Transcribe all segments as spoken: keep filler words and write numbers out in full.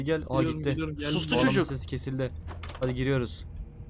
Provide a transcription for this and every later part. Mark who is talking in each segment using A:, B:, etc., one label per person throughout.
A: Gel. Aa
B: Geliyorum,
A: gitti.
B: geliyorum, geldim.
C: Sustu
A: Bu adamın
C: çocuk.
A: sesi kesildi. Hadi giriyoruz.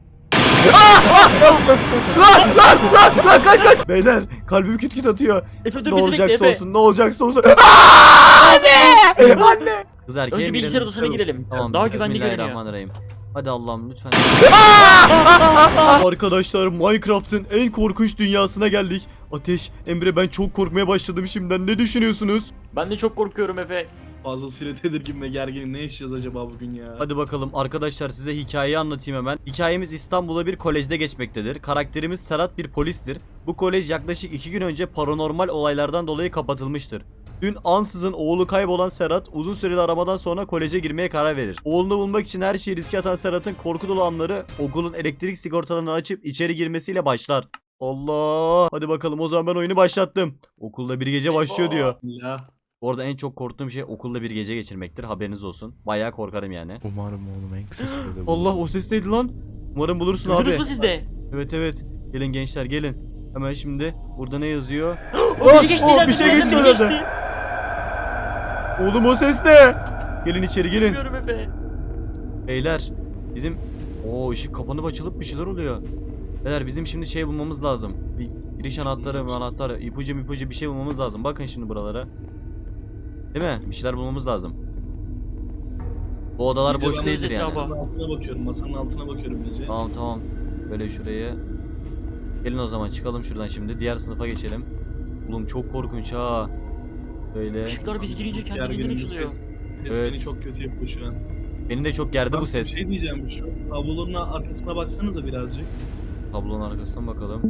A: Lan lan lan lan kaç kaç. Beyler kalbim küt küt atıyor.
C: Efe dur
A: Ne
C: bizi bekle
A: olacaksa
C: Efe.
A: olsun, ne olacaksa olsun. Anne! Anne! Kız erkeğe
C: Önce
A: mi
C: bilgisayar
A: girelim?
C: odasına girelim.
A: Tamam.
C: Daha güvenli görünüyor.
A: Bismillahirrahmanirrahim. Hadi Allah'ım lütfen. Arkadaşlar Minecraft'ın en korkunç dünyasına geldik. Ateş, Emre ben çok korkmaya başladım şimdiden. Ne düşünüyorsunuz?
C: Ben de çok korkuyorum Efe.
B: Fazlasıyla tedirgin ve gerginim. Ne yaşayacağız acaba bugün ya?
A: Hadi bakalım arkadaşlar size hikayeyi anlatayım hemen. Hikayemiz İstanbul'da bir kolejde geçmektedir. Karakterimiz Serhat bir polistir. Bu kolej yaklaşık iki gün önce paranormal olaylardan dolayı kapatılmıştır. Dün ansızın oğlu kaybolan Serhat uzun süreli aramadan sonra koleje girmeye karar verir. Oğlunu bulmak için her şeyi riske atan Serhat'ın korku dolu anları okulun elektrik sigortalarını açıp içeri girmesiyle başlar. Allah! Hadi bakalım o zaman ben oyunu başlattım. Okulda bir gece başlıyor diyor.
B: Ya.
A: Bu arada en çok korktuğum şey okulda bir gece geçirmektir. Haberiniz olsun. Bayağı korkarım yani.
D: Umarım oğlum en kısa sürede
A: Allah o ses neydi lan? Umarım bulursun abi.
C: Duydunuz mu siz de?
A: Evet evet. Gelin gençler gelin. Hemen şimdi burada ne yazıyor?
C: O
A: Ah,
C: biri geçti
A: oh,
C: ileride,
A: bir şey
C: ileride
A: geçti
C: biri
A: önümde. Oğlum o ses ne? Gelin içeri gelin.
C: Bilmiyorum Efe.
A: Beyler bizim o ışık kapanıp açılıp bir şeyler oluyor. Beyler bizim şimdi şey bulmamız lazım. Bir giriş anahtarı, anahtarı, ipucu ipucu bir şey bulmamız lazım. Bakın şimdi buralara. Değil mi? Bir şeyler bulmamız lazım. Bu odalar
B: İyice
A: boş
B: ben
A: değildir yani.
C: etrafa.
B: Masanın altına bakıyorum. Masanın altına bakıyorum iyice.
A: Tamam tamam. Böyle şuraya. Gelin o zaman çıkalım şuradan şimdi. Diğer sınıfa geçelim. Oğlum çok korkunç ha. Böyle.
C: Işıklar biz girince kendiliğinden
B: Gerginim bu
C: açılıyor.
B: ses. Ses
A: Evet.
B: beni çok kötü yapıyor şu an.
A: Beni de çok gerdi
B: Bak,
A: bu
B: Bir
A: ses.
B: şey diyeceğim şu tabloların arkasına baksanıza birazcık.
A: Tablonun arkasından bakalım.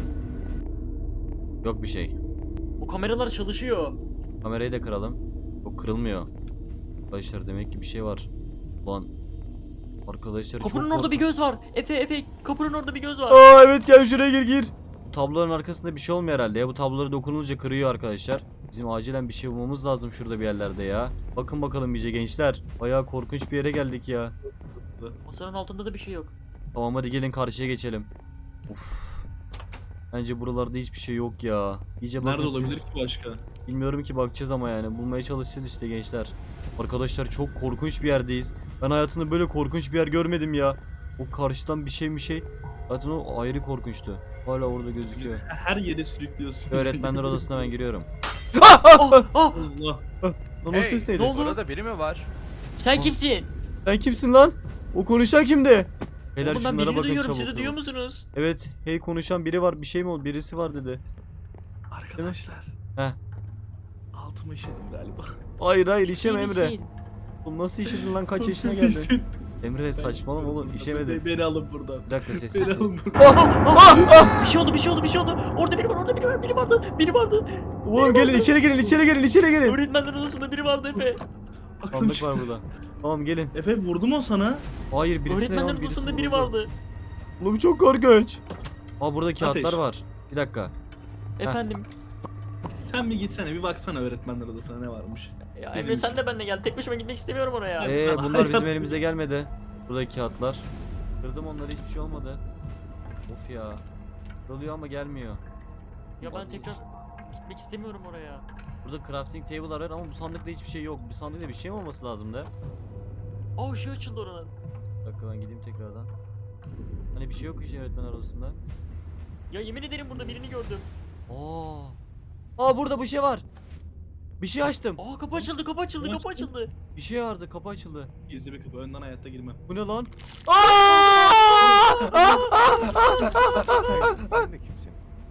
A: Yok bir şey.
C: Bu kameralar çalışıyor.
A: Kamerayı da kıralım. O kırılmıyor. Arkadaşlar demek ki bir şey var. Ulan. Arkadaşlar çok
C: Kapının orada bir
A: korkunç.
C: göz var. Efe Efe kapının orada bir göz var.
A: Aa evet gel şuraya gir gir. Bu tabloların arkasında bir şey olmuyor herhalde ya. Bu tablolara dokunulunca kırıyor arkadaşlar. Bizim acilen bir şey bulmamız lazım şurada bir yerlerde ya. Bakın bakalım iyice gençler. Bayağı korkunç bir yere geldik ya.
C: Masanın altında da bir şey yok.
A: Tamam hadi gelin karşıya geçelim. Uf. Bence buralarda hiçbir şey yok ya. İyice bakın
B: Nerede
A: siz.
B: olabilir ki başka?
A: Bilmiyorum ki bakacağız ama yani. Bulmaya çalışacağız işte gençler. Arkadaşlar çok korkunç bir yerdeyiz. Ben hayatımda böyle korkunç bir yer görmedim ya. O karşıdan bir şey bir şey. Zaten o ayrı korkunçtu. Hala orada gözüküyor.
B: Her yere sürüklüyorsun.
A: Öğretmenler odasına ben giriyorum.
C: Oh, oh.
B: Allah.
A: Lan o ses neydi?
C: ne oldu?
D: Orada biri mi var?
C: Sen kimsin?
A: Sen kimsin lan? O konuşan kimdi? Beyler
C: Oğlum ben
A: şunlara
C: birini
A: bakın
C: duyuyorum.
A: çabuk.
C: Siz de duyuyor musunuz?
A: Evet, hey konuşan biri var. Bir şey mi oldu? Birisi var dedi.
B: Arkadaşlar.
A: Heh.
B: Altıma işedim galiba.
A: Hayır hayır işeme
C: İyi
A: Emre.
C: misin?
A: Oğlum nasıl işedin lan kaç yaşına geldin? Emre saçmalama oğlum işemedin.
B: Beni alın buradan.
A: Bir dakika
B: Beni
A: sessiz.
B: alın buradan.
A: Ah, ah, ah!
C: Bir şey oldu bir şey oldu bir şey oldu. Orada biri var orada biri var biri vardı. Biri vardı.
A: Oğlum gelin içeri girin içeri girin içeri girin.
C: Öğretmenler odasında biri vardı Efe.
B: Aklım
A: Sandık
B: çıktı.
A: var burada. Tamam gelin.
B: Efe vurdu mu o sana?
A: Hayır birisi ne
C: Öğretmenler
A: lan birisi
C: odasında biri
A: vuruldu.
C: vardı.
A: Oğlum çok korkunç. Aa burada kağıtlar
B: Ateş.
A: var. Bir dakika.
C: Efendim.
B: Sen bir gitsene bir baksana öğretmenler odasına ne varmış.
C: Ya
B: Bizim-
C: Emre sen de benimle gel. Tek başıma gitmek istemiyorum oraya.
B: Evet.
A: Ee bunlar bizim elimize gelmedi. Buradaki kağıtlar. Kırdım onları hiçbir şey olmadı. Of ya. Kırılıyor ama gelmiyor.
C: Ya ben tekrar gitmek istemiyorum oraya.
A: Burada crafting table var ama bu sandıkta hiçbir şey yok. Bu sandıkta bir şey mi olması lazım da?
C: Aa ışığı açıldı oranın.
A: Bir dakika ben gideyim tekrardan. Hani bir şey yok ki öğretmen arasında.
C: Ya yemin ederim burada birini gördüm.
A: Aa. Aa burada bir şey var. Bir şey açtım.
C: Aa kapı açıldı kapı açıldı kapı
B: Açtın.
C: açıldı.
A: Bir şey vardı kapı açıldı.
B: Gizli bir kapı önden hayatta girmem.
A: Bu ne lan? Aa!
D: Sen de kimsin?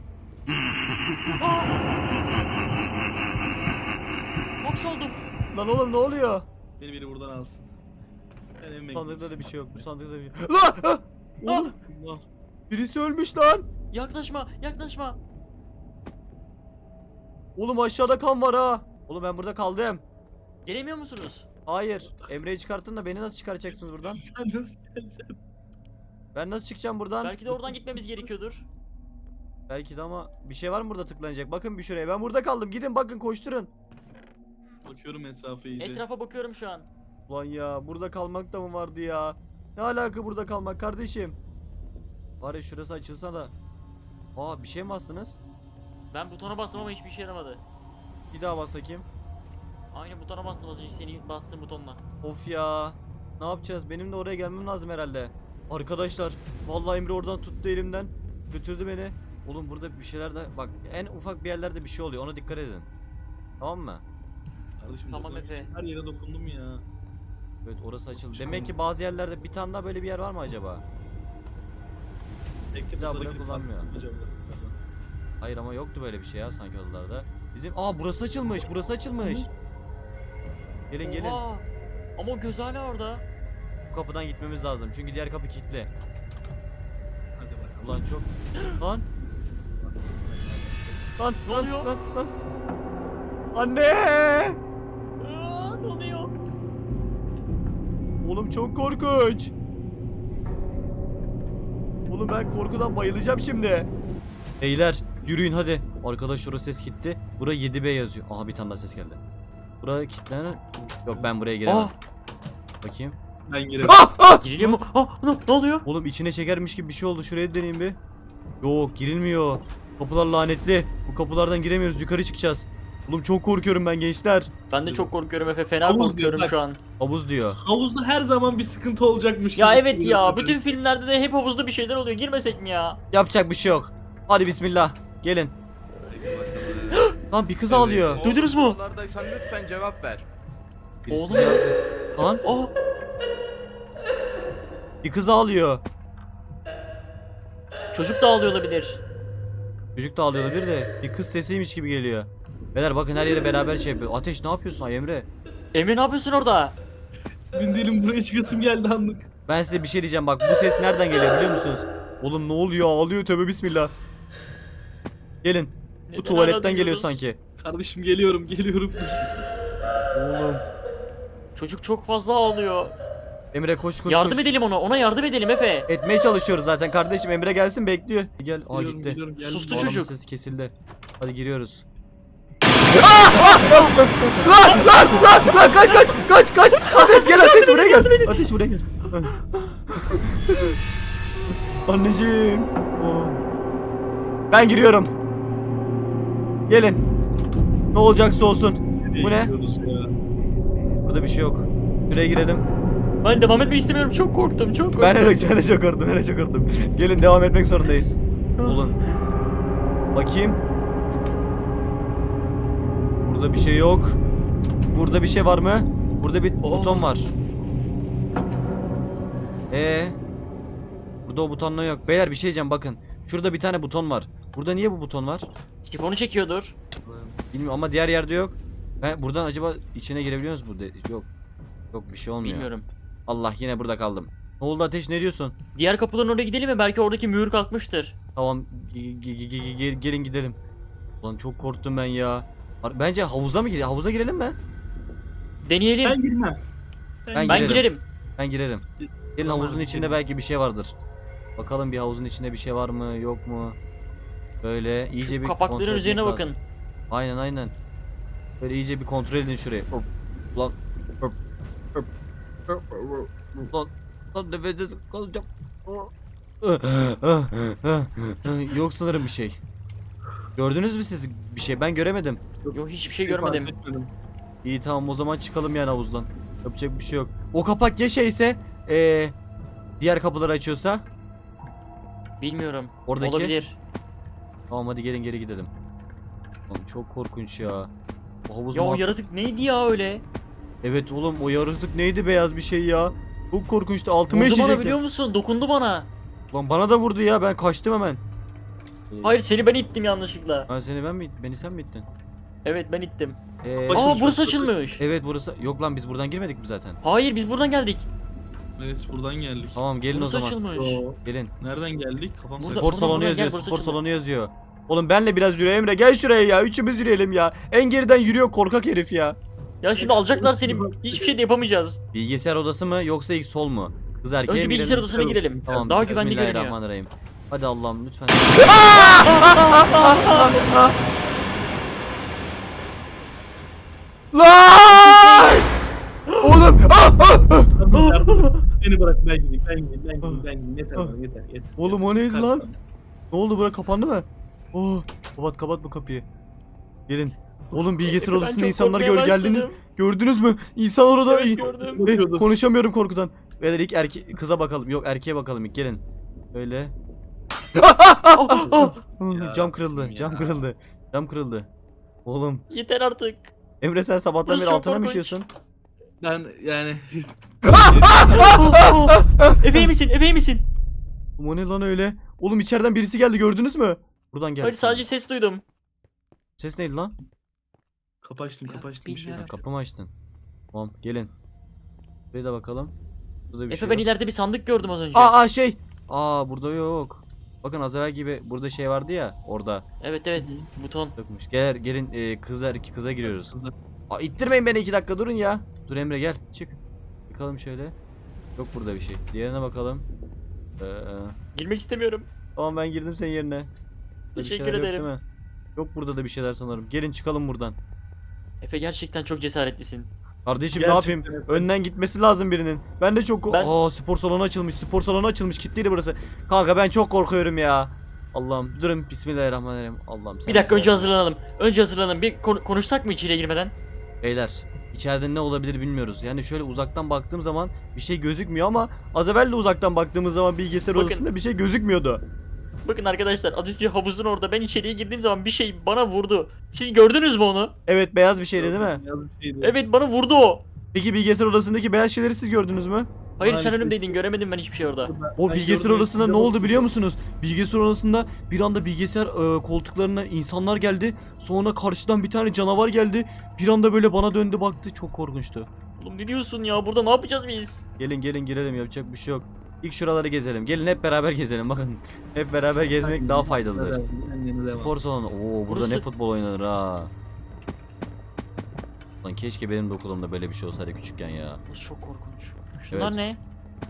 C: Boks oldum.
A: Lan oğlum ne oluyor?
B: Beni biri buradan alsın. Ben evime
A: Sandıkta da
B: gidiyorum.
A: bir şey yok. Bu sandıkta da bir Lan! Ah! Oğlum
B: Allah.
A: birisi ölmüş lan.
C: Yaklaşma yaklaşma.
A: Oğlum aşağıda kan var ha. Oğlum ben burada kaldım.
C: Gelemiyor musunuz?
A: Hayır. Emre'yi çıkartın da beni nasıl çıkaracaksınız buradan?
B: Sen nasıl geleceksin?
A: Ben nasıl çıkacağım buradan?
C: Belki de oradan gitmemiz gerekiyordur.
A: Belki de ama bir şey var mı burada tıklanacak? Bakın bir şuraya. Ben burada kaldım. Gidin bakın koşturun.
B: Bakıyorum etrafa iyice.
C: Etrafa bakıyorum şu an.
A: Ulan ya burada kalmak da mı vardı ya? Ne alaka burada kalmak kardeşim? Var ya şurası açılsa da. Aa bir şey mi bastınız?
C: Ben butona bastım ama hiçbir işe yaramadı.
A: Bir daha bas bakayım.
C: Aynı butona bastım az önce senin bastığın butonla.
A: Of ya. Ne yapacağız? Benim de oraya gelmem lazım herhalde. Arkadaşlar vallahi Emre oradan tuttu elimden. Götürdü beni. Oğlum burada bir şeyler de bak en ufak bir yerlerde bir şey oluyor. Ona dikkat edin. Tamam mı?
B: Kardeşim
C: Tamam
B: dokunabileceğim
C: Efe.
B: her yere dokundum ya.
A: Evet orası açıldı. Demek ki bazı yerlerde bir tane daha böyle bir yer var mı acaba?
B: Tek tek
A: Bir daha
B: odalara
A: bunu
B: girip
A: kullanmıyor.
B: baktım acaba.
A: Hayır ama yoktu böyle bir şey ya sanki odalarda. Bizim aa burası açılmış. Burası açılmış. Gelin gelin.
C: Oha! Ama o göz hala orada.
A: Bu kapıdan gitmemiz lazım. Çünkü diğer kapı kilitli.
B: Hadi bakalım.
A: Ulan çok lan lan
C: Ne
A: lan
C: oluyor?
A: lan lan. Anne!
C: Aa, ne oluyor?
A: Oğlum çok korkunç. Oğlum ben korkudan bayılacağım şimdi. Beyler yürüyün hadi. Arkadaş orası ses gitti. Bura yedi B yazıyor. Aha bir tane daha ses geldi. Bura kilitlenen. Yok ben buraya giremem.
C: Aa,
A: Bakayım.
B: Ben girerim.
A: Ah ah!
C: giriliyor mu? Aa, ne, ne oluyor?
A: Oğlum içine çekermiş gibi bir şey oldu. Şuraya deneyeyim bir. Yok girilmiyor. Kapılar lanetli. Bu kapılardan giremiyoruz. Yukarı çıkacağız. Oğlum çok korkuyorum ben gençler.
C: Ben de çok korkuyorum Efe. Fena
B: Havuz
C: korkuyorum
B: diyor, bak.
C: şu an.
A: Havuz diyor.
B: Havuzda her zaman bir sıkıntı olacakmış
C: Ya
B: gibi
C: evet
B: hissediyorum
C: ya.
B: ben.
C: Bütün filmlerde de hep havuzda bir şeyler oluyor. Girmesek mi ya?
A: Yapacak bir şey yok. Hadi bismillah. Gelin.
B: Haydi bakalım.
A: Lan bir kız
B: Evet.
A: ağlıyor.
C: Duydunuz mu?
D: Oralardaysan lütfen cevap ver.
A: Birisi
C: Oğlum.
A: ya- Lan
C: Aa,
A: bir kız ağlıyor.
C: çocuk da ağlıyor olabilir.
A: Çocuk da ağlıyor bir de bir kız sesiymiş gibi geliyor. Beyler bakın her yere beraber şey yapıyor. Ateş ne yapıyorsun ay Emre?
C: Emre ne yapıyorsun orada?
B: Emin değilim buraya çıkasım geldi anlık.
A: Ben size bir şey diyeceğim bak bu ses nereden geliyor biliyor musunuz? Oğlum ne oluyor ağlıyor tövbe bismillah. Gelin. Bu
C: Neden
A: tuvaletten
C: hala
A: geliyor
C: duyuyoruz?
A: sanki.
B: Kardeşim geliyorum geliyorum.
A: Oğlum.
C: Çocuk çok fazla ağlıyor.
A: Emre koş koş
C: yardım
A: koş.
C: edelim ona. Ona yardım edelim Efe.
A: Etmeye çalışıyoruz zaten kardeşim. Emre gelsin bekliyor. Gel. Aa
B: Geliyorum,
A: gitti.
B: geliyorum, geldim.
C: Sustu
A: Bu adamın
C: çocuk.
A: sesi kesildi. Hadi giriyoruz. Lan lan lan lan kaç kaç kaç kaç. Ateş gel ateş buraya gel. Ateş buraya gel. Anneciğim. Oo. Ben giriyorum. Gelin. Ne olacaksa olsun. Bu ne?
B: Gidiyoruz ya.
A: Burada bir şey yok. Şuraya girelim.
C: Ben devam etmek istemiyorum. Çok korktum. Çok korktum.
A: Ben de ben de çok korktum. Ben de çok korktum. Gelin devam etmek zorundayız. Olun. Bakayım. Burada bir şey yok. Burada bir şey var mı? Burada bir
C: Oo.
A: buton var. Ee. Burada o butonla yok. Beyler bir şey diyeceğim bakın. Şurada bir tane buton var. Burada niye bu buton var?
C: Sifonu çekiyordur.
A: Bilmiyorum ama diğer yerde yok. Ben buradan acaba içine girebiliyor muyuz burada? Yok. Yok bir şey olmuyor.
C: Bilmiyorum.
A: Allah yine burada kaldım. Ne oldu Ateş ne diyorsun?
C: Diğer kapıların oraya gidelim mi? Belki oradaki mühür kalkmıştır.
A: Tamam ge- ge- ge- ge- ge- gelin gidelim. Ulan çok korktum ben ya. Ar- Bence havuza mı girelim? Havuza girelim mi?
C: Deneyelim.
B: Ben
C: Ben,
B: girmem.
A: Ben
C: girerim.
A: girerim. Ben girerim. Gelin
B: Tamam,
A: havuzun içinde
B: girelim.
A: belki bir şey vardır. Bakalım bir havuzun içinde bir şey var mı yok mu? Böyle iyice bir kontrol
C: Kapakların
A: etmek
C: üzerine
A: lazım.
C: bakın.
A: Aynen aynen. Böyle iyice bir kontrol edin şurayı. Hop. Lan. Hop. Hop. Hop. Hop. Lan. Lan nefessiz kalacağım. Yok sanırım bir şey. Gördünüz mü siz bir şey? Ben göremedim.
C: Yok hiçbir şey
B: Fark
C: görmedim.
B: etmedim.
A: İyi tamam o zaman çıkalım yani havuzdan. Yapacak bir şey yok. O kapak ya şeyse ee, diğer kapıları açıyorsa.
C: Bilmiyorum.
A: Oradaki-
C: Olabilir.
A: Tamam hadi gelin geri gidelim. Oğlum çok korkunç ya. O havuz
C: Ya o
A: muhabbet-
C: yaratık neydi ya öyle?
A: Evet oğlum o yaratık neydi beyaz bir şey ya. Çok korkunçtu altıma
C: Vurdu bana
A: işecekti.
C: biliyor musun? Dokundu bana.
A: Lan bana da vurdu ya ben kaçtım hemen. Ee,
C: Hayır seni ben ittim yanlışlıkla.
A: Ben seni ben mi beni sen mi ittin?
C: Evet ben ittim.
A: Ee,
B: Başım-
C: Aa burası
B: burası.
C: açılmış.
A: evet burası yok lan biz buradan girmedik mi zaten?
C: Hayır biz buradan geldik.
B: Evet buradan geldik.
A: Tamam gelin
C: Burası
A: o zaman.
C: açılmış.
B: Oo,
A: Gelin.
B: Nereden geldik? Kafam
C: Burada-
B: sakın.
A: Spor
C: buradan,
A: salonu
C: buradan
A: yazıyor.
C: gel, burası
A: Spor
C: açıldı.
A: salonu yazıyor. Oğlum benle biraz yürü Emre gel şuraya ya. Üçümüz yürüyelim ya. En geriden yürüyor korkak herif ya.
C: Ya şimdi alacaklar seni. Hiçbir şey de yapamayacağız.
A: Bilgisayar odası mı yoksa ilk sol mu? Kız erkeğe
C: Önce
A: mi
C: bilgisayar
A: girelim?
C: odasına girelim.
A: Tamam
C: Daha güvenli görünüyor.
A: Bismillahirrahmanirrahim. Hadi Allah'ım lütfen. Lan! Oğlum! Ah, ah, ah!
B: Beni bırak ben gideyim ben gideyim ben gideyim ben gideyim yeter bana yeter yeter.
A: Oğlum o neydi
B: Kalk
A: lan?
B: sana.
A: Ne oldu bura kapandı mı? Oh, kapat kapat bu kapıyı. Gelin. Oğlum bilgisayar
C: Efe, ben
A: odasında
C: çok
A: insanlar
C: korkmaya
A: gör geldiniz.
C: başladım.
A: Gördünüz mü? İnsan orada.
C: Evet, gördüm.
A: Eh,
B: Bakıyordu.
A: konuşamıyorum korkudan. Beyler ilk erke kıza bakalım. Yok erkeğe bakalım ilk gelin. Öyle.
C: Oh, oh.
B: Ya,
A: Cam kırıldı.
B: ya.
A: Cam kırıldı. Cam kırıldı. Oğlum.
C: Yeter artık.
A: Emre sen sabahtan
C: Burası
A: beri
C: çok
A: altına mı
C: korkunç.
A: işiyorsun?
B: Ben yani
C: Oh, oh. Efe iyi misin? Efe iyi misin?
A: O ne lan öyle? Oğlum içeriden birisi geldi gördünüz mü? Buradan geldi.
C: Hayır sadece ses duydum.
A: Ses neydi lan?
B: kapı açtım kapı açtım bir şey
C: bilmiyorum.
B: yok.
A: Kapı mı açtın? Tamam gelin. Buraya da bakalım. Burada bir
C: Efe
A: şey
C: ben
A: yok.
C: ileride bir sandık gördüm az önce.
A: Aa, aa şey. Aa burada yok. Bakın az evvel gibi burada şey vardı ya orada.
C: Evet evet buton.
A: Yokmuş. Gel gelin e, kızlar iki kıza giriyoruz.
B: Kızlar.
A: Aa ittirmeyin beni iki dakika durun ya. Dur Emre gel çık. Bakalım şöyle. Yok burada bir şey. Diğerine bakalım. Ee,
C: Girmek istemiyorum.
A: tamam ben girdim senin yerine. Burada bir
C: Teşekkür
A: şeyler yok
C: ederim.
A: değil mi? Yok burada da bir şeyler sanırım. Gelin çıkalım buradan.
C: Efe gerçekten çok cesaretlisin.
A: Kardeşim ne
B: Gerçekten
A: yapayım?
B: Efe.
A: Önden gitmesi lazım birinin. Ben de çok
C: Ben-
A: Aa spor salonu açılmış. Spor salonu açılmış. Kilitliydi burası. Kanka ben çok korkuyorum ya. Allah'ım durun bismillahirrahmanirrahim. Allah'ım sen
C: Bir dakika
A: bize
C: önce
A: yardım et.
C: hazırlanalım. Önce hazırlanalım. Bir kon- konuşsak mı içeriye girmeden?
A: Beyler içeride ne olabilir bilmiyoruz. Yani şöyle uzaktan baktığım zaman bir şey gözükmüyor ama az evvel de uzaktan baktığımız zaman bilgisayar
C: Bakın.
A: odasında bir şey gözükmüyordu.
C: Bakın arkadaşlar az önce havuzun orada ben içeriye girdiğim zaman bir şey bana vurdu. Siz gördünüz mü onu?
A: Evet beyaz bir şeydi değil mi?
B: Yalnız bir şeydi.
C: Evet bana vurdu o.
A: Peki bilgisayar odasındaki beyaz şeyleri siz gördünüz mü?
C: Hayır
B: Maalesef.
C: sen önümdeydin göremedim ben hiçbir şey orada.
A: O
B: Ben
A: bilgisayar
B: gördüm,
A: odasında
B: içinde
A: ne oldu
B: bakıyorum.
A: biliyor musunuz? Bilgisayar odasında bir anda bilgisayar e, koltuklarına insanlar geldi. Sonra karşıdan bir tane canavar geldi. Bir anda böyle bana döndü baktı. Çok korkunçtu.
C: Oğlum ne diyorsun ya burada ne yapacağız biz?
A: Gelin gelin girelim yapacak bir şey yok. İlk şuraları gezelim. Gelin hep beraber gezelim bakın. Hep beraber gezmek daha faydalıdır. Spor salonu. Oo burada
C: Burası-
A: ne futbol oynanır ha. Lan keşke benim de okulumda böyle bir şey olsaydı küçükken ya.
C: Burası çok korkunç. Şunlar
A: Evet.
C: ne?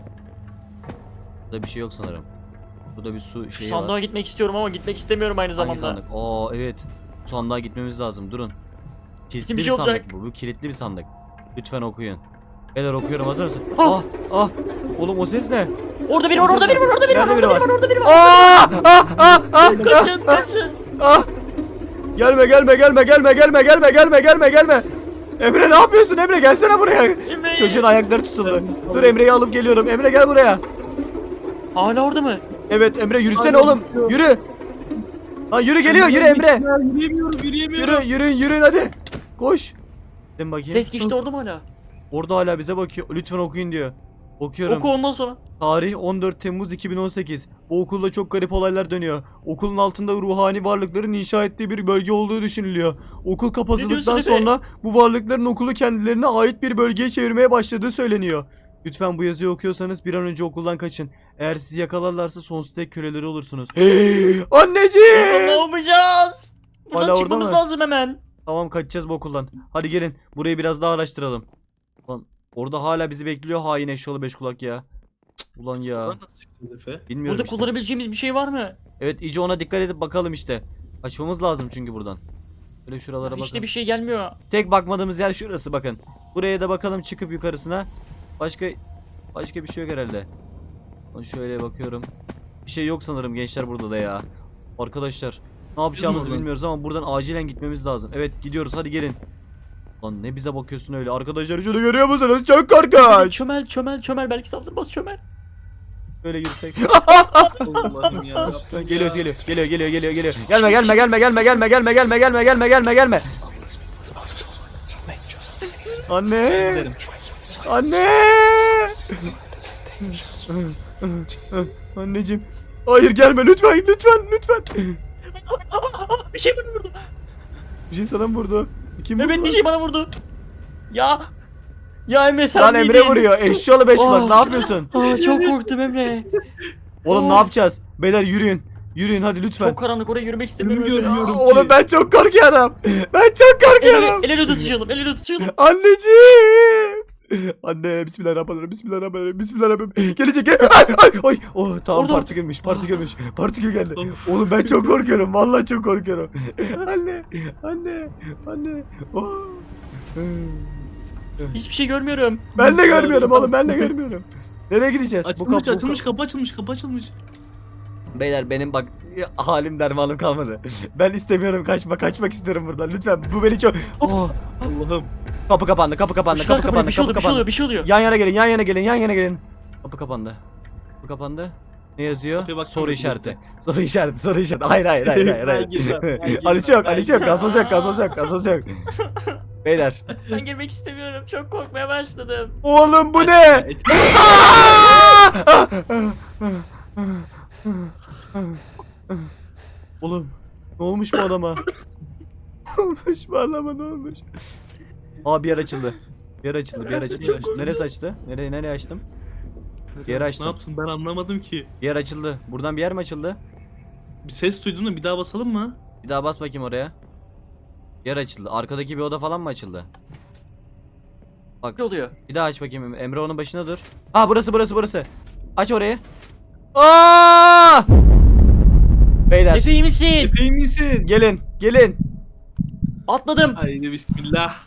A: Burada bir şey yok sanırım. Burada bir su
C: Şu
A: şeyi
C: sandığa
A: var.
C: gitmek istiyorum ama gitmek istemiyorum aynı
A: Hangi
C: zamanda.
A: sandık? Aa evet. Bu sandığa gitmemiz lazım. Durun. Kilitli
C: Bizim
A: bir
C: bir şey
A: sandık
C: olacak.
A: bu. Bu kilitli bir sandık. Lütfen okuyun. Beyler okuyorum hazır mısın?
C: Ah!
A: Ah ah. Oğlum o ses ne?
C: Orada biri var, orada biri var, orada biri var,
A: Nerede
C: orada
A: biri
C: biri
A: var?
C: var, orada biri var.
A: Ah ah ah ah.
C: Kaçın, kaçın.
A: Ah! Gelme gelme gelme gelme gelme gelme gelme gelme gelme. Emre ne yapıyorsun Emre gelsene buraya.
C: Emre.
A: Çocuğun ayakları tutuldu. Dur Emre'yi alıp geliyorum. Emre gel buraya.
C: Hala orada mı?
A: Evet Emre yürüsene oğlum. Yürü. Lan yürü geliyor yürü Emre.
B: Ya, yürüyemiyorum yürüyemiyorum.
A: Yürü yürüyün yürüyün hadi. Koş. Gidin bakayım.
C: Ses geçti orada mı hala?
A: Orada hala bize bakıyor. Lütfen okuyun diyor. Okuyorum.
C: Oku ondan sonra.
A: Tarih on dört Temmuz iki bin on sekiz. Bu okulda çok garip olaylar dönüyor. Okulun altında ruhani varlıkların inşa ettiği bir bölge olduğu düşünülüyor. Okul kapatıldıktan
C: diyorsun Efe?
A: sonra bu varlıkların okulu kendilerine ait bir bölgeye çevirmeye başladığı söyleniyor. Lütfen bu yazıyı okuyorsanız bir an önce okuldan kaçın. Eğer sizi yakalarlarsa sonsuz tek köleleri olursunuz.
C: Ne
A: Anneciğim!
C: yapacağız? Buradan
A: Hala orada
C: çıkmamız
A: mı?
C: lazım hemen.
A: Tamam kaçacağız bu okuldan. Hadi gelin burayı biraz daha araştıralım. Ulan orada hala bizi bekliyor hain eşyalı beş kulak ya. Cık, Ulan ya.
B: Buradan nasıl çıkacağız Efe?
A: Bilmiyorum
C: Burada
A: işte.
C: kullanabileceğimiz bir şey var mı?
A: Evet iyice ona dikkat edip bakalım işte. Kaçmamız lazım çünkü buradan. Böyle şuralara bakın.
C: İşte bir şey gelmiyor.
A: Tek bakmadığımız yer şurası bakın. Buraya da bakalım çıkıp yukarısına. Başka başka bir şey yok herhalde. Lan şöyle bakıyorum. Bir şey yok sanırım gençler burada da ya. Arkadaşlar ne yapacağımızı
B: oradan?
A: bilmiyoruz ama buradan acilen gitmemiz lazım. Evet gidiyoruz hadi gelin. Lan ne bize bakıyorsun öyle? Arkadaşlar şunu görüyor musunuz? Çok korkunç.
C: Çömel çömel çömel belki saldırmaz çömel.
A: Böyle yürüsek.
B: Allah'ım ya.
A: Geliyoruz geliyor geliyor geliyor geliyor geliyor. Gelme gelme gelme gelme gelme gelme gelme gelme gelme gelme gelme. Anne.
B: Giderim.
A: Anne. Anneciğim. Hayır gelme lütfen lütfen lütfen.
C: Bir şey bana vurdu.
A: Bir şey sana mı vurdu? Kim vurdu?
C: Evet bir şey bana vurdu. Ya. Ya Emre sen
A: Lan Emre
C: miydin?
A: vuruyor. Eşyalı beş kulak
C: Oh.
A: ne yapıyorsun?
C: Aa, çok korktum Emre.
A: Oğlum ne
C: Oh.
A: yapacağız? Beyler yürüyün. Yürüyün hadi lütfen.
C: Çok karanlık oraya yürümek istemiyorum.
B: Yürümüyorum,
C: Emre.
B: yürüyorum.
A: Aa, oğlum ben çok korkuyorum. Ben çok
C: El
A: korkuyorum.
C: ele, el ele tutuşalım, el ele tutuşalım.
A: Anneciğim. Anne bismillahirrahmanirrahim bismillahirrahmanirrahim bismillahirrahmanirrahim gelecek gel ay ay ay oh tamam
C: Orada.
A: partikülmüş partikülmüş partikül geldi oğlum ben çok korkuyorum vallahi çok korkuyorum anne anne anne oh.
C: Hiçbir şey görmüyorum.
A: Ben de görmüyorum oğlum ben de görmüyorum nereye gideceğiz
B: Açılmış
A: kapı-
B: açılmış kapı açılmış kapı açılmış.
A: Beyler benim bak halim dermanım kalmadı. Ben istemiyorum kaçma kaçmak istiyorum buradan lütfen. Bu beni çok... Oh.
B: Allah'ım.
A: Kapı kapandı kapı kapandı
C: Işıklar
A: kapı
C: kapanıyor,
A: kapandı
C: bir şey
A: kapı
C: oluyor, bir şey
A: kapandı.
C: oluyor, bir şey oluyor.
A: Yan yana gelin yan yana gelin yan yana gelin. Kapı kapandı. Kapı kapandı. Ne yazıyor?
B: Kapıya baksana
A: Soru
B: bir
A: işareti.
B: dakika.
A: Soru işareti soru işareti. Hayır hayır hayır hayır. hayır.
B: Ben girmem, ben girmem,
A: Ali yok
B: ben
A: Ali yok gazoz yok gazoz yok gazoz yok. Beyler.
C: Ben girmek istemiyorum. Çok korkmaya başladım.
A: Oğlum bu ne? Oğlum ne olmuş bu adama? Ne olmuş bu adama ne olmuş? Aa bir yer açıldı. Bir yer açıldı bir yer açıldı. Neresi açtı? Nereye nereye açtım? Bir yer açtım.
B: Ne yapsın ben anlamadım ki.
A: Bir yer açıldı. Buradan bir yer mi açıldı?
B: Bir ses duydum da bir daha basalım mı?
A: Bir daha bas bakayım oraya. Bir yer açıldı. Arkadaki bir oda falan mı açıldı? Bak
C: Ne oluyor?
A: bir daha aç bakayım. Emre onun başına dur. Aa burası burası burası. Aç orayı. Aa! Beyler
C: Efe iyi misin?
B: Epey misin?
A: gelin gelin.
C: Atladım.
B: Haydi bismillah.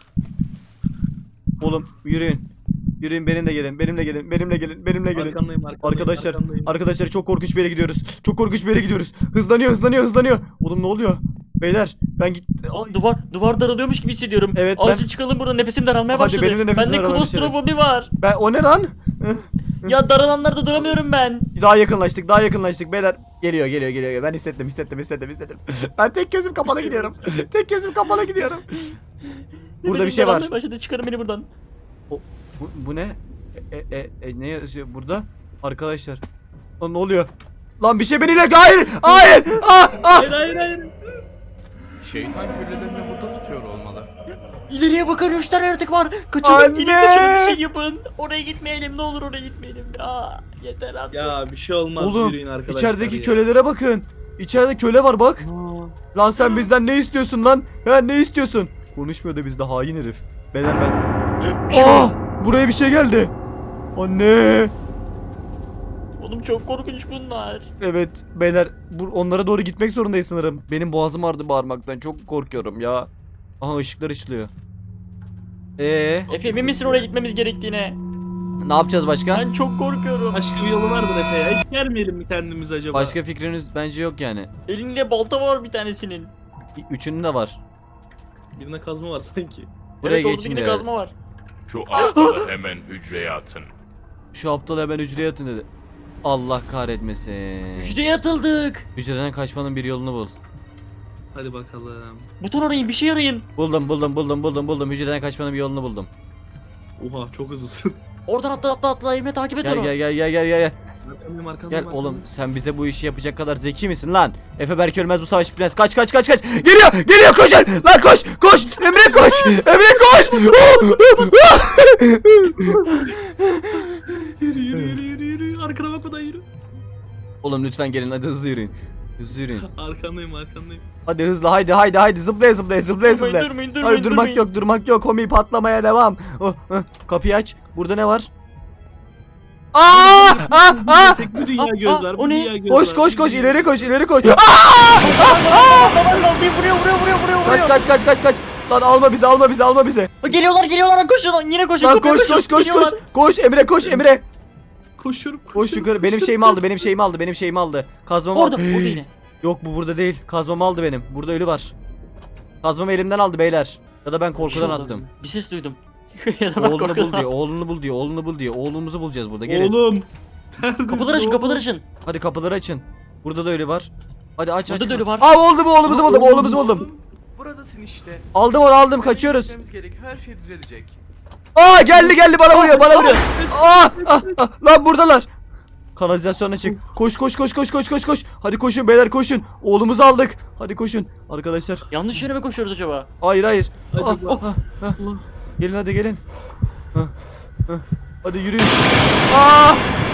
A: Oğlum yürüyün. Yürüyün benimle gelin. Benimle gelin. Benimle gelin. Benimle gelin.
B: Arkandayım arkandayım.
A: Arkadaşlar,
B: arkandayım.
A: arkadaşlar çok korkunç bir yere gidiyoruz. Çok korkunç bir yere gidiyoruz. Hızlanıyor, hızlanıyor, hızlanıyor. Oğlum ne oluyor? Beyler, ben git.
C: Aa, duvar duvar daralıyormuş gibi hissediyorum.
A: Evet, ben-
C: Acil çıkalım buradan, nefesim daralmaya
A: Hadi
C: başladı.
A: benim de nefesim
C: Bende
A: daralmaya başladı.
C: klostrofobi var.
A: Ben o ne lan?
C: Ya daralanlarda duramıyorum ben.
A: Daha yakınlaştık, daha yakınlaştık beyler. Geliyor, geliyor, geliyor. Ben hissettim, hissettim, hissettim, hissettim. Ben tek gözüm kapalı gidiyorum. Tek gözüm kapalı gidiyorum. Burada bir
C: Nefesim
A: şey var.
C: daralmaya Başladı. Çıkarın beni buradan.
A: Bu, bu ne? E, e, e, ne yazıyor burada? Arkadaşlar. Lan ne oluyor? Lan bir şey beniyle hayır! Hayır! Ah! Ah!
B: Hayır hayır hayır.
D: Şeytan küllelerini burada tutuyor olmalı.
C: İleriye bakın, üç tane yaratık var. Kaçalım,
A: Anne!
C: gelin kaçalım, bir şey yapın. Oraya gitmeyelim, ne olur oraya gitmeyelim. Ya yeter artık.
B: Ya bir şey olmaz
A: Oğlum
B: yürüyün arkadaşlar
A: içerideki
B: ya.
A: kölelere bakın. İçeride köle var bak.
B: Aa,
A: Lan sen bizden ne istiyorsun lan? Ha ne istiyorsun? Konuşmuyor da bizde hain herif. Beyler ben... Aa! Buraya bir şey geldi. Anne!
C: Oğlum çok korkunç bunlar.
A: Evet beyler bu, onlara doğru gitmek zorundayız sanırım. Benim boğazım ağrıdı bağırmaktan. Çok korkuyorum ya. Aha ışıklar ışılıyor. Ee,
C: Efe emin misin oraya gitmemiz gerektiğine?
A: ne yapacağız başka?
C: Ben çok korkuyorum.
B: Başka bir yolu vardır Efe ya. Hiç gelmeyelim mi kendimiz acaba?
A: Başka fikriniz bence yok yani.
C: Elinde balta var bir tanesinin.
A: Üçünün de var.
B: Birine kazma var sanki.
A: Buraya
C: Evet, orada
A: geçin
C: yine
A: diye.
C: kazma var.
E: Şu aptalı hemen hücreye atın.
A: Şu aptal hemen hücreye atın dedi. Allah kahretmesin.
C: Hücreye atıldık.
A: Hücreden kaçmanın bir yolunu bul.
B: Hadi bakalım.
C: Buton arayın, bir şey arayın.
A: Buldum buldum buldum buldum buldum. Hücreden kaçmanın bir yolunu buldum.
B: Oha çok hızlısın.
C: Oradan atla atla atla, Emre takip et
A: Gel
C: onu.
A: gel gel gel gel gel.
B: Arkandayım arkandayım.
A: Gel
B: arkandayım.
A: oğlum sen bize bu işi yapacak kadar zeki misin lan? Efe Berk Ölmez bu savaş bitmez. Kaç kaç kaç kaç. Geliyor geliyor koşun. Lan koş koş. Emre koş. Emre koş.
B: Yürü yürü yürü yürü yürü. Arkana bakmadan yürü.
A: Oğlum lütfen gelin hadi hızlı yürüyün. Hızlı yürüyün.
B: Arkandayım arkandayım.
A: Hadi hızlı haydi haydi haydi zıplaya zıplaya zıplaya
C: Durmayın,
A: zıplaya.
C: durmayın, durmayın,
A: Hayır durmak
C: durmayın.
A: yok durmak yok. Komi patlamaya devam. Oh, oh. Kapıyı aç. Burada ne var? Aa! Aa! Aa!
B: Bu dünya
C: Aa,
B: göz
C: aa,
B: var.
C: o
B: Bu
C: ne?
B: dünya göz
A: Koş
B: var,
A: koş
B: bu
A: koş
B: dünya-
A: ileri koş ileri koş. Aa!
C: Aman Allah'ım, bir vuruyor vuruyor vuruyor vuruyor.
A: Kaç kaç kaç kaç kaç. Lan alma bizi alma bizi alma bizi.
C: Geliyorlar geliyorlar, koşun lan, yine koşun.
A: Lan
C: kapıya
A: koş
C: koşun,
A: koş koş koş.
C: geliyorlar.
A: Koş Emre koş Emre.
B: Koşuyorum koşuyorum.
A: Koş yukarı. Benim
B: koşuyorum,
A: şeyimi aldı. Benim
B: koşuyorum.
A: şeyimi aldı. Benim şeyimi aldı. Kazmamı
C: Orada
A: aldı.
C: orada yine.
A: Yok bu burada değil. Kazmamı aldı benim. Burada ölü var. Kazmamı elimden aldı beyler. Ya da ben korkudan
C: Bir şey oldu.
A: attım.
C: Bir ses duydum. Ya da ben
A: Oğlunu bul
C: korkudan
A: diyor. Oğlunu bul diyor. Oğlunu bul diyor. Oğlumuzu bulacağız burada. Gelin.
B: Oğlum.
C: Kapıları açın, kapıları açın.
A: Hadi kapıları açın. Burada da ölü var. Hadi aç aç.
C: Burada da ölü var.
A: Aa oldu bu oğlumuzu buldum. Oğlumuzu buldum.
D: Buradasın işte.
A: Aldım onu aldım. Kaçıyoruz.
D: Gitmemiz gerek. Her şey düzelecek.
A: Aa geldi geldi bana vuruyor. Bana vuruyor. Aa, ah, ah, lan buradalar. Kanalizasyona çık. Koş koş koş koş koş koş koş. Hadi koşun beyler koşun. Oğlumuzu aldık. Hadi koşun arkadaşlar.
C: Yanlış yere mi koşuyoruz acaba?
A: Hayır hayır.
B: Hadi
A: Ah,
B: bak.
A: ah, ah.
B: Allah.
A: Gelin hadi gelin. Hah, hah. Hadi yürüyün. Aa!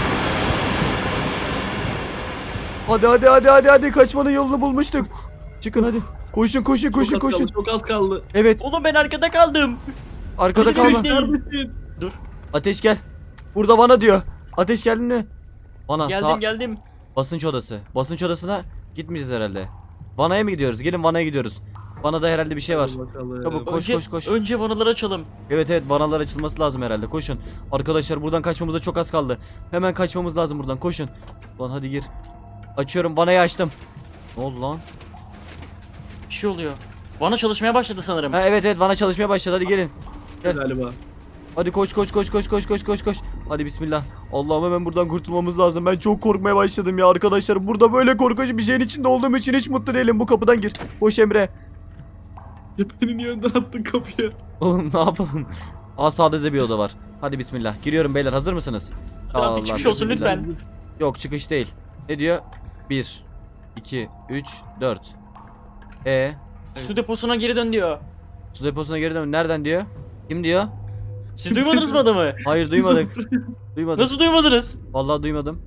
A: Hadi hadi hadi hadi hadi kaçmanın yolunu bulmuştuk. Çıkın hadi. Koşun koşun koşun
B: Çok az
A: koşun.
B: kaldı, çok az kaldı.
A: Evet
C: Oğlum ben arkada kaldım.
A: arkada
C: Bizi
A: kalma.
C: bekleyin.
B: Neredesin?
A: Ateş gel. Burada Vana diyor. Ateş geldin mi? Vana
C: Geldim
A: sağ
C: geldim.
A: basınç odası. Basınç odasına gitmeyeceğiz herhalde. Vana'ya mı gidiyoruz? Gelin Vana'ya gidiyoruz. Vana'da herhalde bir şey var.
B: Hadi bakalım.
A: Çabuk. Koş,
C: önce,
A: koş, koş.
C: Önce vanaları açalım.
A: Evet evet vanalar açılması lazım herhalde. Koşun. Arkadaşlar buradan kaçmamıza çok az kaldı. Hemen kaçmamız lazım buradan. Koşun. Lan hadi gir. Açıyorum, vanayı açtım. Ne oldu lan?
C: Bir şey oluyor. Vana çalışmaya başladı sanırım.
A: Ha, evet evet, vana çalışmaya başladı, hadi gelin. Gel.
B: Galiba.
A: Hadi koş koş koş koş koş koş koş koş. Hadi bismillah. Allah'ım hemen buradan kurtulmamız lazım. Ben çok korkmaya başladım ya arkadaşlar. Burada böyle korkunç bir şeyin içinde olduğum için hiç mutlu değilim. Bu kapıdan gir. Koş Emre.
B: Ya beni niye önden attın kapıya?
A: Oğlum ne yapalım? Aa, sağda da bir oda var. Hadi bismillah. Giriyorum beyler, hazır mısınız?
C: Hadi artık çıkış olsun
A: bismillah.
C: lütfen.
A: Yok, çıkış değil. Ne diyor? bir, iki, üç, dört. E
C: Su deposuna geri dön diyor.
A: su deposuna geri dön. Nereden diyor? Kim diyor?
C: Siz duymadınız mı adamı?
A: Hayır, duymadık. Duymadık.
C: Nasıl duymadınız?
A: Vallahi duymadım.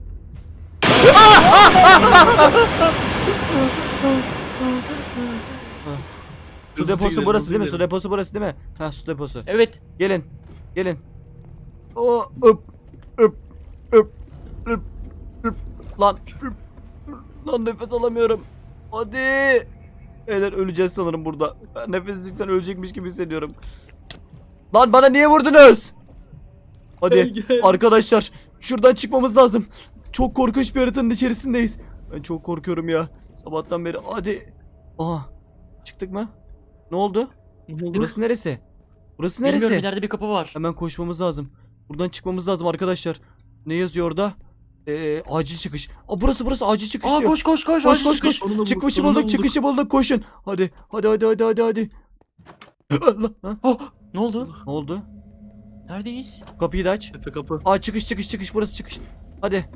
A: Su
B: Hızlı
A: deposu
B: gidelim,
A: burası
B: hızlı
A: değil mi? Su
B: gidelim.
A: deposu burası değil mi? Ha, su deposu.
C: Evet.
A: Gelin. Gelin. O öp öp öp öp öp lan öp. Lan nefes alamıyorum. Hadi. Beyler, öleceğiz sanırım burada. Ben nefessizlikten ölecekmiş gibi hissediyorum. Lan bana niye vurdunuz? Hadi
B: Gel, gel.
A: arkadaşlar, şuradan çıkmamız lazım. Çok korkunç bir haritanın içerisindeyiz. Ben çok korkuyorum ya. Sabahtan beri. Hadi. Aha. Çıktık mı? Ne oldu?
B: Ne oldu?
A: Burası neresi? Burası
C: Bilmiyorum,
A: neresi?
C: ileride bir kapı var.
A: Hemen koşmamız lazım. Buradan çıkmamız lazım arkadaşlar. Ne yazıyor orada? Ee, acil çıkış. Aa, burası burası acil çıkış
C: Aa
A: diyor.
C: koş koş koş.
A: Koş
C: acil
A: koş
C: çıkış.
A: koş.
B: Sonunda bulduk,
A: Çıkışı
B: sonunda
A: bulduk,
B: bulduk.
A: çıkışı bulduk. Koşun. Hadi. Hadi hadi hadi hadi hadi. Allah, ha?
C: Oh, ne oldu?
A: Ne oldu?
C: Neredeyiz?
A: Kapıyı da aç.
B: Efe kapı.
A: Aa, çıkış çıkış çıkış, burası çıkış. Hadi.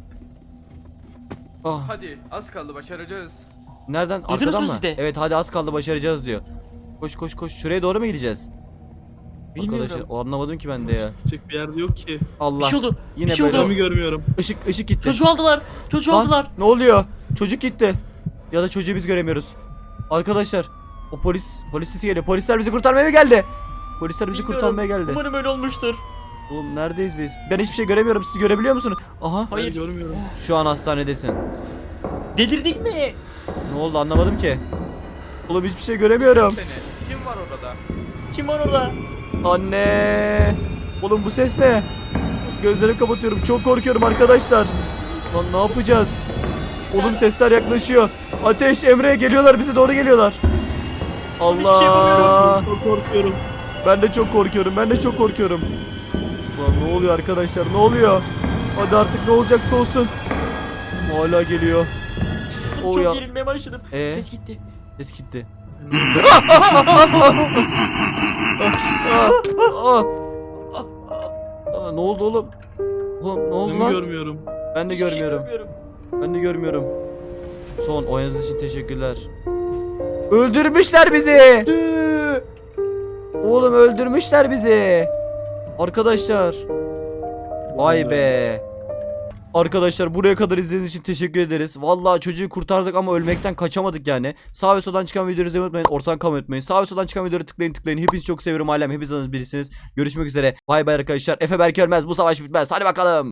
A: Ah,
D: Hadi az kaldı başaracağız.
A: nereden?
C: Duydunuz
A: Arkadan
C: mu
A: mı?
C: siz de?
A: Evet, hadi az kaldı, başaracağız diyor. Koş koş koş. Şuraya doğru mu gideceğiz? Arkadaşlar,
C: Bilmiyorum.
A: o anlamadım ki ben de ya.
B: Çek bir yerde yok ki.
C: Bir
A: Allah.
C: şey oldu.
A: Yine
C: bir şey
A: böyle.
C: oldu.
B: Adamı görmüyorum.
A: Işık ışık gitti.
C: Çocuğu aldılar. Çocuğu
A: Lan,
C: aldılar.
A: ne oluyor? Çocuk gitti. Ya da çocuğu biz göremiyoruz. Arkadaşlar, o polis polis sesi geliyor. Polisler bizi kurtarmaya mı geldi? Polisler bizi
C: Bilmiyorum.
A: kurtarmaya geldi.
C: Umarım öyle olmuştur.
A: Oğlum, neredeyiz biz? Ben hiçbir şey göremiyorum. Siz görebiliyor musunuz? Aha.
C: Hayır.
B: Ben görmüyorum.
A: Şu an hastanedesin.
C: Delirdik mi?
A: Ne oldu, anlamadım ki. Oğlum, hiçbir şey göremiyorum.
D: Seni. Kim var orada?
C: Kim var orada?
A: Anne. Oğlum, bu ses ne? Gözlerimi kapatıyorum. Çok korkuyorum arkadaşlar. Lan ne yapacağız? Oğlum, sesler yaklaşıyor. Ateş, Emre geliyorlar, bize doğru geliyorlar.
C: şey
A: Allah.
C: yapamıyorum.
B: Çok korkuyorum.
A: Ben de çok korkuyorum. Ben de çok korkuyorum. Lan ne oluyor arkadaşlar? Ne oluyor? Hadi artık, ne olacaksa olsun. Hala geliyor. O
C: Çok
A: ya.
C: gerilmeye başladım.
A: Ee?
C: Ses gitti.
A: Ses gitti.
B: Ben
A: Aa, aa, ne oldu oğlum? Oğlum ne oldu
B: Adamı
A: lan?
B: görmüyorum.
A: Ben de
C: Hiçbir şey
A: görmüyorum.
C: görmüyorum.
A: Ben de görmüyorum. Son oynadığınız için teşekkürler. Öldürmüşler bizi. Oğlum, öldürmüşler bizi. Arkadaşlar. Vay be. Arkadaşlar, buraya kadar izlediğiniz için teşekkür ederiz. Vallahi çocuğu kurtardık ama ölmekten kaçamadık yani. Sağ ve soldan çıkan videoları izlemeyi unutmayın. Ortadan kalmayı unutmayın. Sağ ve soldan çıkan videoları tıklayın tıklayın. Hepinizi çok seviyorum ailem. Hepiniz birisiniz. Görüşmek üzere. Bay bay arkadaşlar. Efe Berk ölmez. Bu savaş bitmez. Hadi bakalım.